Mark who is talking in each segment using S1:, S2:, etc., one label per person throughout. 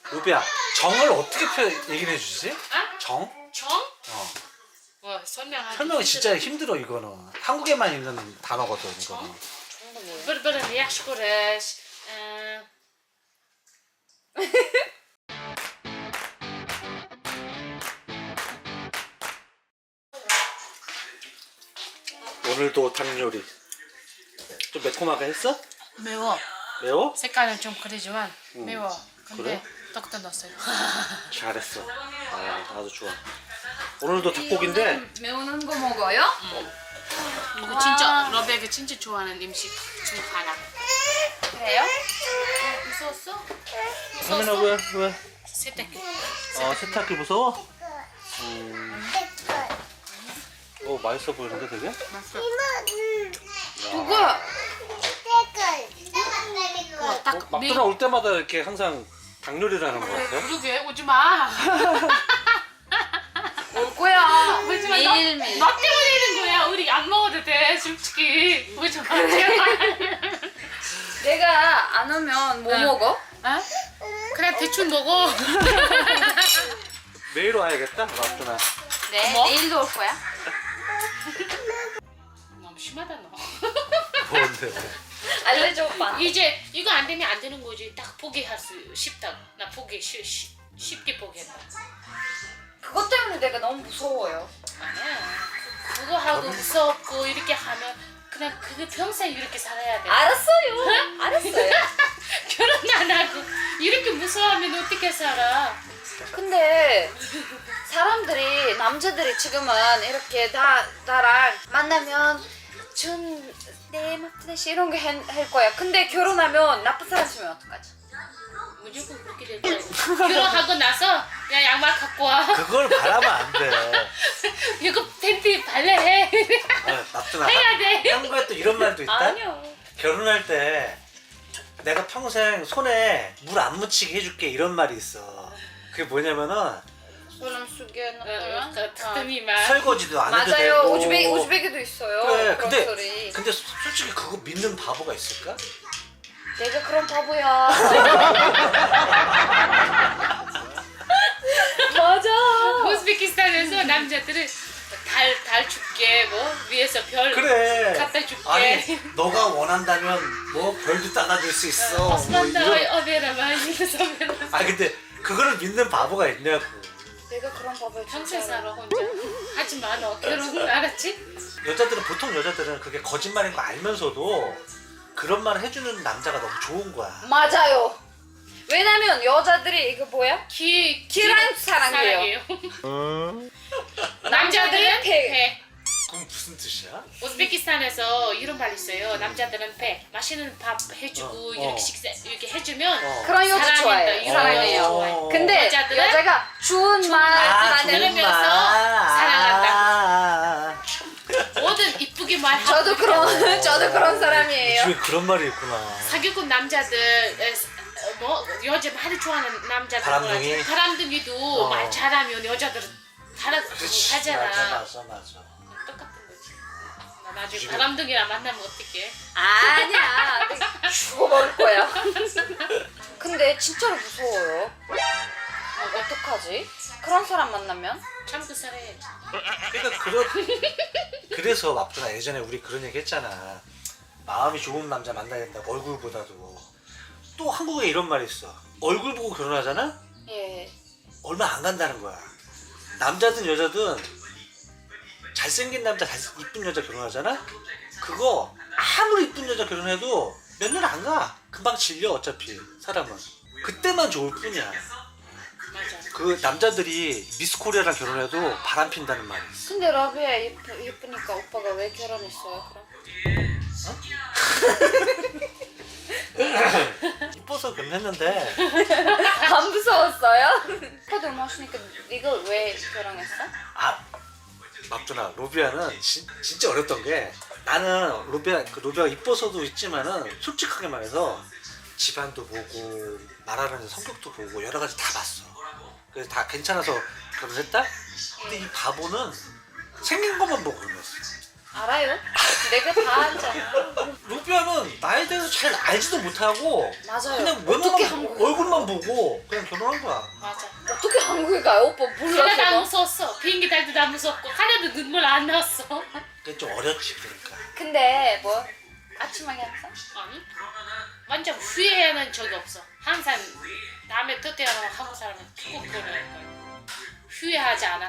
S1: 루비야, 정을 어떻게 얘기를 해주지?
S2: 아?
S1: 정?
S2: 정? 뭐 설명하기
S1: 설명이 진짜 힘들어 이거는. 한국에만 있는 단어거든 이거는.
S2: bir-birini yaxshi ko'rish.
S1: 오늘도 닭 요리. 좀 매콤하게 했어?
S2: 매워.
S1: 매워?
S2: 색깔은 좀 그러지만 매워. 근데
S1: 그래?
S2: 떡도 넣었어요.
S1: 잘했어. 아, 아주 좋아. 오늘도 닭고기인데
S3: 매운 거 먹어요?
S2: 이거 진짜 러베가 진짜 좋아하는 음식 중 하나.
S3: 그래요?
S2: 무서웠어?
S1: 하민아 왜?
S2: 세탁기.
S1: 세탁기 무서워? 맛있어 보이는데 되게?
S3: 누가?
S2: 딱
S1: 막들어 올 때마다 이렇게 항상 닭 요리를 하는 것 같아요.
S2: 그러게 오지 마.
S3: 올 거야.
S2: 오지 마.
S3: 매일매일.
S2: 너 때문에 이런 거야. 우리 안 먹어도 돼. 솔직히. 오지 마.
S3: 내가 안 오면 뭐
S2: 응.
S3: 먹어?
S2: 어? 그래 대충 먹어.
S1: 매일 와야겠다. 막들어.
S3: 네,
S2: 뭐?
S3: 내일도 올 거야.
S2: 너무 심하다 너.
S1: 뭔데?
S3: 알려줘 오빠.
S2: 이제 이거 안 되면 안 되는 거지. 딱 포기할 수 쉽다. 나 포기 쉽게 포기했다.
S3: 그것 때문에 내가 너무 무서워요.
S2: 아니야. 그거 하고 무섭고 이렇게 하면 그냥 그게 평생 이렇게 살아야 돼.
S3: 알았어요. 알았어요.
S2: 결혼 안 하고 이렇게 무서워하면 어떻게 살아?
S3: 근데 사람들이 남자들이 지금은 이렇게 나랑 만나면 준내 마트데시 이런 거 할 거야. 근데 결혼하면 나쁜 사람 치면 어떡하지?
S2: 무조건 그렇게 될 거야. 결혼하고 나서 야 양말 갖고 와.
S1: 그걸 바라면 안 돼.
S2: 이거 팬티 발레해.
S1: 막들어.
S2: 해야 돼.
S1: 한국에 또 이런 말도 있다.
S3: 아니요.
S1: 결혼할 때 내가 평생 손에 물 안 묻히게 해줄게 이런 말이 있어. 그게 뭐냐면은
S3: 그런 속에
S2: 틈이만.
S1: 설거지도 안 해도
S3: 맞아요.
S1: 되고.
S3: 오즈베기도 있어요.
S1: 그래.
S3: 그런
S1: 근데
S3: 소리.
S1: 근데 솔직히 그거 믿는 바보가 있을까?
S3: 내가 그런 바보야. 맞아.
S2: 우즈베키스탄에서 남자들은 달 줄게 뭐 위에서 별
S1: 그래.
S2: 갖다 줄게.
S1: 아니 너가 원한다면 뭐 별도 따다 줄 수 있어. 뭐
S2: osmanda
S1: 이런.
S2: 어베라마 이래서
S1: 아 근데 그거를 믿는 바보가 있냐고.
S3: 내가 그런 바보야.
S2: 평생
S3: 진짜로.
S2: 살아 혼자. 하지 마 너 결혼 알았지?
S1: 여자들은 보통 여자들은 그게 거짓말인 거 알면서도 그런 말을 해주는 남자가 너무 좋은 거야.
S3: 맞아요. 왜냐면 여자들이 이거 뭐야?
S2: 기랑
S3: 사랑해요.
S2: 남자들은
S3: 배.
S2: 배.
S1: 그럼 무슨 뜻이야?
S2: 우즈베키스탄에서 이런 말 있어요. 남자들은 배. 맛있는 밥 해주고 이렇게 식사 이렇게 해주면
S3: 그런 여자
S2: 사랑한다.
S3: 좋아해요.
S2: 이런
S3: 사랑해요.
S2: 여자 좋아해.
S3: 근데
S2: 여자들은
S3: 여자가 좋은 말
S2: 들으면서
S3: 만들면
S2: 사랑한다. 뭐든 이쁘게 말하고.
S3: 저도 그런 사람이에요.
S1: 요즘에 그런 말이 있구나.
S2: 사기꾼 남자들 뭐 여자 많이 좋아하는 남자들
S1: 바람둥이?
S2: 뭐라지? 바람둥이도 말 잘하면 여자들은 하잖아.
S1: 맞아.
S2: 똑같은 거지. 나 나중에
S1: 요즘에-
S2: 바람둥이랑 만나면 어떡해?
S3: 아니야. 내가 죽어버릴 거야. 근데 진짜로 무서워요. 어떡하지? 그런 사람 만나면?
S2: 참고 살아야지.
S1: 그러니까 그래서 막두나 예전에 우리 그런 얘기 했잖아. 마음이 좋은 남자 만나야 된다고 얼굴보다도. 또 한국에 이런 말이 있어. 얼굴 보고 결혼하잖아?
S3: 예.
S1: 얼마 안 간다는 거야. 남자든 여자든 잘생긴 남자, 이쁜 여자 결혼하잖아? 그거 아무리 이쁜 여자 결혼해도 몇 년 안 가. 금방 질려 어차피 사람은. 그때만 좋을 뿐이야.
S2: 맞아.
S1: 그 남자들이 미스 코리아랑 결혼해도 바람 핀다는 말이 있어.
S3: 근데 러비야 예쁘니까 오빠가 왜 결혼했어요 그럼?
S1: 이뻐서 결혼했는데
S3: 안 무서웠어요? 오빠도 멋있으니까 네가 왜 결혼했어?
S1: 막두나 로비아는 진짜 어렸던 게 나는 로비아가 이뻐서도 있지만은 솔직하게 말해서 집안도 보고 말하는 성격도 보고 여러 가지 다 봤어. 그래서 다 괜찮아서 결혼했다? 근데 이 바보는 생긴 것만 보고 결혼했어.
S3: 알아요? 내가 다 알잖아.
S1: 루비아는 나에 대해서 잘 알지도 못하고
S3: 맞아요.
S1: 그냥
S3: 어떻게
S1: 외모만
S3: 한국
S1: 얼굴만 보고 그냥 결혼한 거야.
S2: 맞아.
S3: 어떻게 한국에 가요? 오빠 몰라.
S2: 하나도 안
S3: 그거?
S2: 무서웠어. 비행기 탈 때도 안 무섭고 하나도 눈물 안 나왔어.
S1: 그게 좀 어렸지 그러니까.
S3: 근데 뭐 아침하게 했어?
S2: 아니? 완전 후회하는 적이 없어. 항상 다음에 또 태어나면 한국 사람은 꼭 결혼할 거야. 후회하지 않아.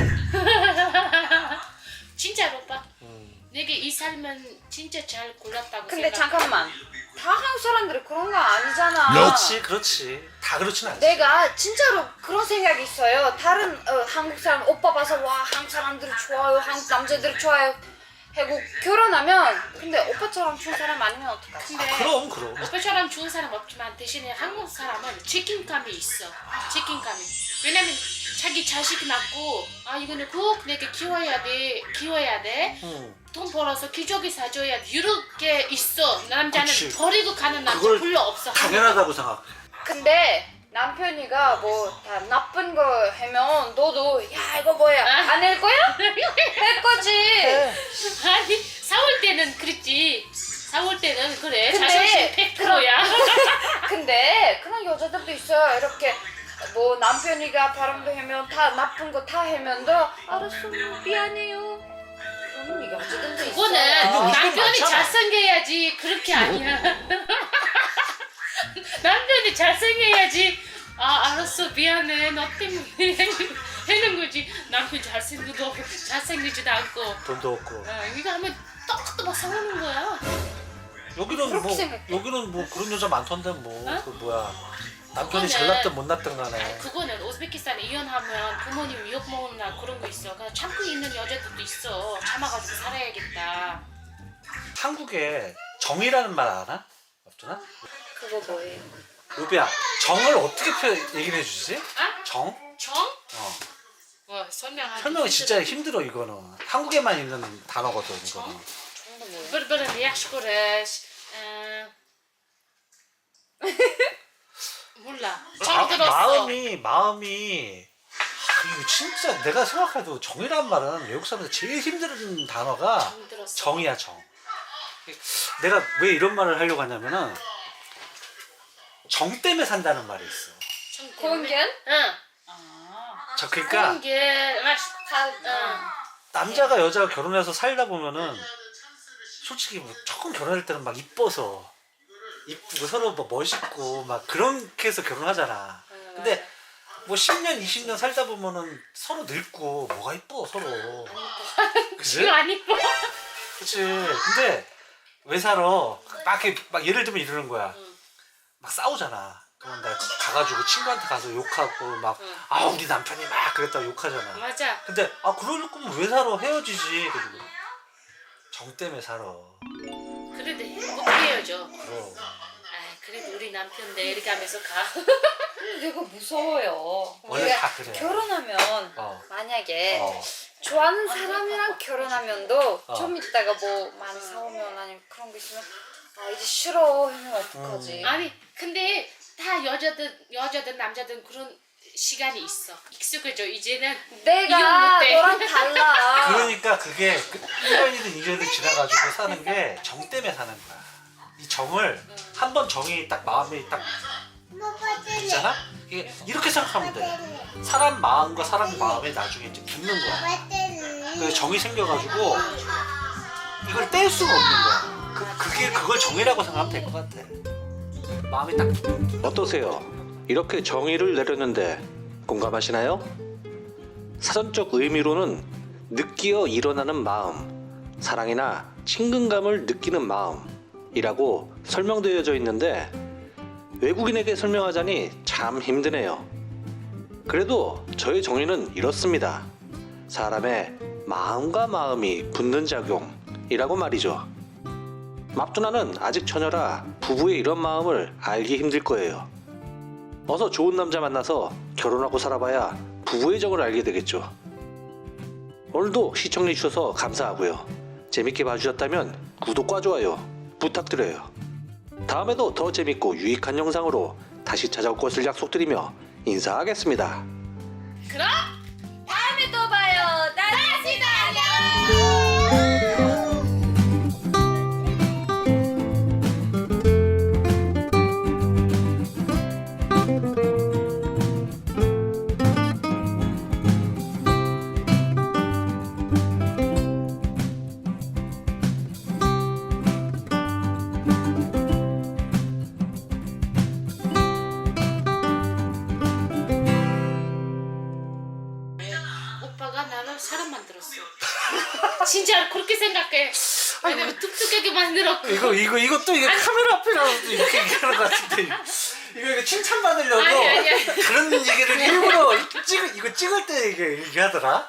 S2: 진짜로 오빠. 내게 이 삶은 진짜 잘 골랐다고
S3: 근데
S2: 생각해.
S3: 잠깐만. 다 한국 사람들이 그런 거 아니잖아.
S1: 그렇지. 다 그렇진 않지.
S3: 내가 진짜로 그런 생각이 있어요. 다른 한국 사람 오빠 봐서 와 한국 사람들이 좋아요, 한국 남자들이 좋아요 하고 결혼하면 근데 오빠처럼 좋은 사람 아니면 어떡하지?
S2: 근데
S1: 그럼.
S2: 오빠처럼 좋은 사람 없지만 대신에 한국 사람은 책임감이 있어. 책임감이. 왜냐면 자기 자식 낳고 아 이거는 꼭 내게 키워야 돼. 돈 벌어서 기저귀 사줘야 돼. 이렇게 있어. 남자는
S1: 그치.
S2: 버리고 가는 남자
S1: 그걸
S2: 별로 없어.
S1: 당연하다고 생각해.
S3: 근데 남편이가 뭐 다 나쁜 거 하면 너도 야 이거 뭐야 안 할 거야? 할 거지.
S2: 아니 싸울 때는 그랬지. 싸울 때는 그래.
S3: 근데
S2: 자존심 100%야.
S3: 근데 그런 여자들도 있어요. 이렇게 뭐 남편이가 바람도 하면 다 나쁜 거 다 하면 너 알았어 미안해요. 그런 여자들도 있어요.
S2: 그거는
S1: 근데 우리
S2: 남편이
S1: 많잖아.
S2: 잘생겨야지. 그렇게 아니야. 남편이 잘생겨야지. 아 알았어 미안해 너 때문에 하는 거지. 남편 잘생기지도 않고
S1: 돈도 없고.
S2: 이거 하면 똑똑 막 싸우는 거야.
S1: 여기는
S3: 그렇게
S1: 뭐
S3: 생각해.
S1: 여기는 뭐 그런 여자 많던데 뭐.
S2: 어?
S1: 그 뭐야. 남편이
S2: 그거는-
S1: 잘났든 못났든 간에.
S2: 그거는 우즈베키스탄에 이혼하면 부모님 욕 먹나 그런 거 있어. 그냥 참고 있는 여자들도 있어. 참아가지고 살아야겠다.
S1: 한국에 정이라는 말 아나? 없잖아?
S3: 그거 뭐예요?
S1: 루비야, 정을 어떻게 얘기를 해주지?
S2: 아?
S1: 정?
S2: 정?
S1: 어.
S2: 뭐 설명하기
S1: 설명이 진짜 힘들어 이거는. 한국에만 있는 단어거든 이거는.
S3: 정도 뭐예요?
S2: Berberen reachtscores. 몰라. 정 들었어.
S1: 마음이 이거 진짜 내가 생각해도 정이란 말은 외국 사람들 제일 힘든 단어가
S2: 정 들었어.
S1: 정이야 정. 내가 왜 이런 말을 하려고 하냐면은 정 때문에 산다는 말이 있어.
S2: 정 때문에.
S3: 공견?
S2: 응.
S1: 그러니까
S2: 공견.
S1: 남자가 여자가 결혼해서 살다 보면은 솔직히 뭐 처음 결혼할 때는 막 이뻐서 이쁘고 서로 뭐 멋있고 막 그렇게 해서 결혼하잖아. 근데 뭐 10년 20년 살다 보면은 서로 늙고 뭐가 이뻐 서로. 그치?
S2: 지금 안 이뻐.
S1: 그치. 근데 왜 살아? 막 이렇게 막 예를 들면 이러는 거야. 막 싸우잖아. 그럼 나 가가지고 친구한테 가서 욕하고 막 아 우리 남편이 막 그랬다고 욕하잖아.
S2: 맞아.
S1: 근데 아 그럴 거면 왜 살아? 헤어지지. 그리고 정 때문에 살아.
S2: 그래도 행복해야죠.
S1: 그럼.
S2: 아 그래도 우리 남편 내일 가면서 가.
S3: 내가 무서워요.
S1: 원래
S3: 우리가
S1: 다 그래.
S3: 결혼하면
S1: 어.
S3: 만약에
S1: 어.
S3: 좋아하는 사람이랑 결혼하면도
S1: 어.
S3: 좀 있다가 뭐 많이 싸우면 아니면 그런 거 있으면 아 이제 싫어 하면 어떡하지?
S2: 아니 근데 다 여자든 남자든 그런 시간이 있어. 익숙해져 이제는.
S3: 내가
S2: 이혼 못해.
S3: 너랑 달라.
S1: 그러니까 그게 1년이든 2년이든 지나가지고 사는 게 정 때문에 사는 거야. 이 정을 한 번 정이 딱 마음에 딱 있잖아? 이게 이렇게 생각하면 돼. 사람 마음과 사람 마음에 나중에 이제 붙는 거야. 그래서 정이 생겨가지고 이걸 뗄 수가 없는 거야. 그걸 정이라고 생각하면 될 것 같아. 마음이 딱. 어떠세요? 이렇게 정의를 내렸는데 공감하시나요? 사전적 의미로는 느끼어 일어나는 마음, 사랑이나 친근감을 느끼는 마음이라고 설명되어져 있는데 외국인에게 설명하자니 참 힘드네요. 그래도 저의 정의는 이렇습니다. 사람의 마음과 마음이 붙는 작용이라고 말이죠. 맙두나는 아직 처녀라 부부의 이런 마음을 알기 힘들 거예요. 어서 좋은 남자 만나서 결혼하고 살아봐야 부부의 정을 알게 되겠죠. 오늘도 시청해주셔서 감사하고요. 재밌게 봐주셨다면 구독과 좋아요 부탁드려요. 다음에도 더 재밌고 유익한 영상으로 다시 찾아올 것을 약속드리며 인사하겠습니다.
S2: 그럼
S3: 다음에 또 봐요. 다시 봐요.
S2: 아빠가 나를 사람 만들었어. 진짜 그렇게 생각해. 왜냐면 뚝뚝하게 만들었고.
S1: 이것도 이게 카메라 앞에 나와서 이렇게 얘기하는 것 같은데 이거 칭찬받으려고
S2: 아니.
S1: 그런 얘기를 일부러 이거 찍을 때 이게 얘기하더라.